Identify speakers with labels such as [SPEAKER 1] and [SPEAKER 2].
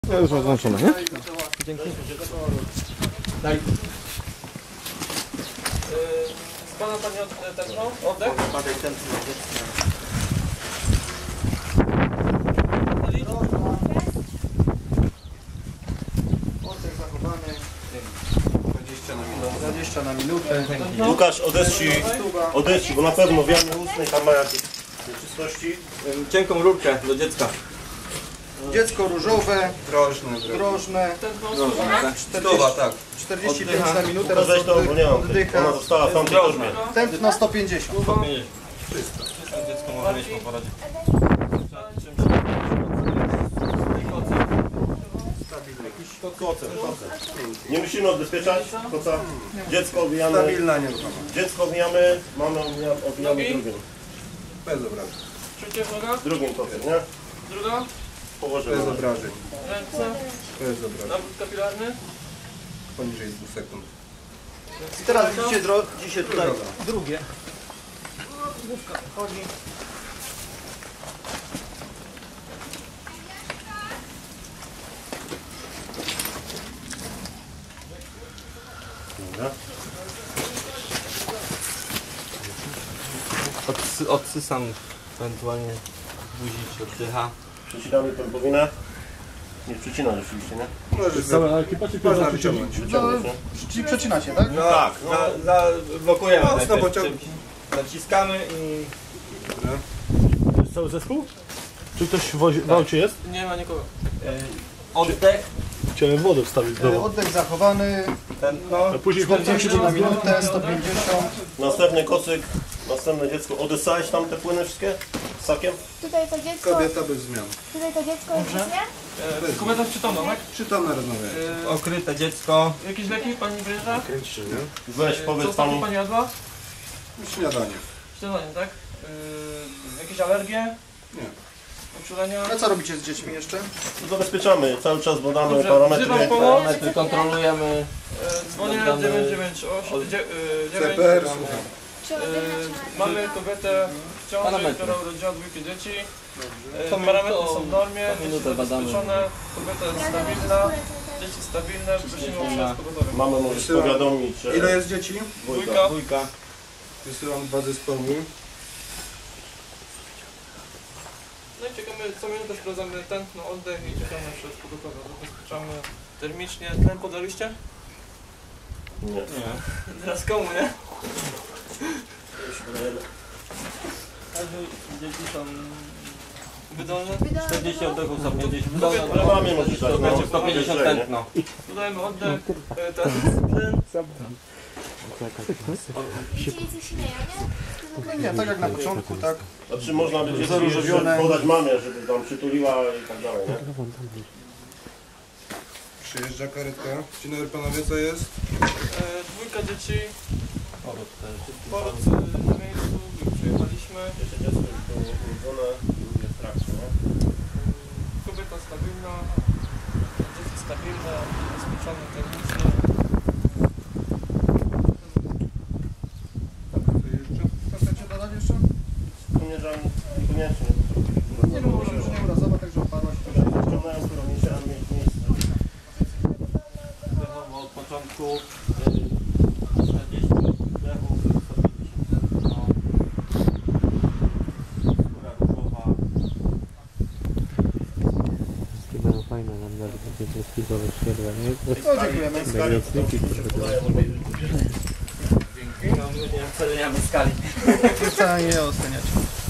[SPEAKER 1] Ja już mam włączone, nie?
[SPEAKER 2] Dzięki. Daj. Z pana pani tętno? Oddech?
[SPEAKER 3] Badaj tętno. Oddech zachowany. 20 na minutę.
[SPEAKER 4] Łukasz, odeszli, bo na pewno w jamie ustnej tam ma jakieś nieczystości.
[SPEAKER 2] Cienką rurkę do dziecka.
[SPEAKER 3] Dziecko różowe, drożne.
[SPEAKER 2] Stowa, tak.
[SPEAKER 3] 45 na minutę,
[SPEAKER 4] To weź to, bo nie mam.
[SPEAKER 3] oddycha.
[SPEAKER 4] Ona została w tamtej korzmie.
[SPEAKER 3] Tętno 150.
[SPEAKER 2] Wszystko dziecko może mieć po porodzie.
[SPEAKER 4] Nie musimy odbezpieczać koca. Dziecko obijamy.
[SPEAKER 3] Stabilna nieruchomość.
[SPEAKER 4] Dziecko obijamy, mamy obijamy drugim.
[SPEAKER 3] Bez obrażeń.
[SPEAKER 2] Czucie noga?
[SPEAKER 4] Drugim kocem, nie?
[SPEAKER 2] Druga?
[SPEAKER 4] Położymy.
[SPEAKER 3] Bez obrażeń.
[SPEAKER 2] Ręce?
[SPEAKER 3] Bez obrażeń.
[SPEAKER 2] Nawrót kapilarny?
[SPEAKER 3] Poniżej 2 sekund.
[SPEAKER 1] I teraz widzicie tutaj drugie.
[SPEAKER 3] Główka chodzi.
[SPEAKER 4] Dobra.
[SPEAKER 2] Odsysam ewentualnie buzi czy oddycha.
[SPEAKER 4] Przecinamy pępowinę. Nie przecina rzeczywiście, nie?
[SPEAKER 3] Cała ekipa czy można przyciągnąć?
[SPEAKER 4] Przeciągnąć, nie?
[SPEAKER 3] Czyli przecinacie, tak?
[SPEAKER 2] No, tak, blokujemy.
[SPEAKER 3] Mocno pociągnij.
[SPEAKER 2] Naciskamy i...
[SPEAKER 1] Cały zespół? Czy ktoś w aucie jest?
[SPEAKER 2] Nie ma nikogo. Oddech.
[SPEAKER 1] Chciałem wodę wstawić w domu.
[SPEAKER 3] Oddech zachowany,
[SPEAKER 2] Tętno.
[SPEAKER 1] A później
[SPEAKER 3] 40 na minutę, 150.
[SPEAKER 4] Następny kocyk, następne dziecko. Odessałeś tam te płyny wszystkie? Z sakiem?
[SPEAKER 5] Tutaj to dziecko,
[SPEAKER 3] Kobieta bez zmian.
[SPEAKER 5] tutaj to dziecko jest nie?
[SPEAKER 2] Kobieta przytomna, tak?
[SPEAKER 3] Przytomne rozmawianie.
[SPEAKER 2] Okryte dziecko. Jakieś leki pani bierze?
[SPEAKER 3] Kręci, nie?
[SPEAKER 4] Weź,
[SPEAKER 2] Co
[SPEAKER 4] powiedz
[SPEAKER 2] ostatnio
[SPEAKER 4] pani.
[SPEAKER 2] pani jadła?
[SPEAKER 3] Śniadanie.
[SPEAKER 2] Śniadanie, tak? Jakieś alergie?
[SPEAKER 3] Nie.
[SPEAKER 2] Uczulenia?
[SPEAKER 3] A co robicie z dziećmi jeszcze?
[SPEAKER 4] Zabezpieczamy, cały czas badamy
[SPEAKER 2] Dobrze,
[SPEAKER 4] parametry.
[SPEAKER 2] wzywam pomoc.
[SPEAKER 5] Parametry
[SPEAKER 2] Kontrolujemy. Dzwonię 998.
[SPEAKER 3] CPR, słucham.
[SPEAKER 5] Czy oddech
[SPEAKER 2] Mamy kobietę w ciąży, która urodziła dwójkę dzieci. Parametry są w normie, dzieci zabezpieczone, kobieta jest stabilna, dzieci stabilne, prosimy o przyjazd pogotowy.
[SPEAKER 4] Mamy możesz powiadomić, że...
[SPEAKER 3] Ile jest dzieci?
[SPEAKER 2] Dwójka.
[SPEAKER 3] Wysyłam 2 zespoły.
[SPEAKER 2] No i czekamy, co minutę sprawdzamy tętno, oddech i czekamy na przyjazd pogotowy. Zabezpieczamy termicznie. Tlen podaliście?
[SPEAKER 4] Nie.
[SPEAKER 2] Teraz komu, nie? Dzieci są wydolne?
[SPEAKER 5] 40
[SPEAKER 2] oddechów są 50.
[SPEAKER 4] Ale mamie możesz dać, no.
[SPEAKER 2] 150 tętno. Dodajemy oddech, tlen.
[SPEAKER 5] Dzieci się śmieją, nie?
[SPEAKER 3] Nie, tak jak na początku, tak.
[SPEAKER 4] A czy można by dzieci
[SPEAKER 3] Zaróżowione.
[SPEAKER 4] jeszcze podać mamie, żeby tam przytuliła i tak dalej, nie?
[SPEAKER 3] Przyjeżdża karetka. Dzień dobry panowie, co jest?
[SPEAKER 2] Dwójka dzieci. Poród na miejscu, przyjechaliśmy.
[SPEAKER 4] Jeszcze dziecko już było urodzone, drugie w trakcie, nie?
[SPEAKER 2] Kobieta stabilna, dzieci stabilne, zabezpieczone termicznie.
[SPEAKER 3] Chcecie dodać jeszcze?
[SPEAKER 4] Niekoniecznie.
[SPEAKER 3] Nie, bo może już nie urazowa, także oparła się.
[SPEAKER 4] Ściągnąłem kierownicę, ale mieć miejsce.
[SPEAKER 2] Wdechowo od początku 40 wdechów, 150 tętno. Skóra różowa.
[SPEAKER 6] Mają fajne nam nawet takie spisowe światła, nie?
[SPEAKER 3] No, dziękujemy.
[SPEAKER 2] No, nie oceniamy skali.
[SPEAKER 3] Wcale nie oceniać.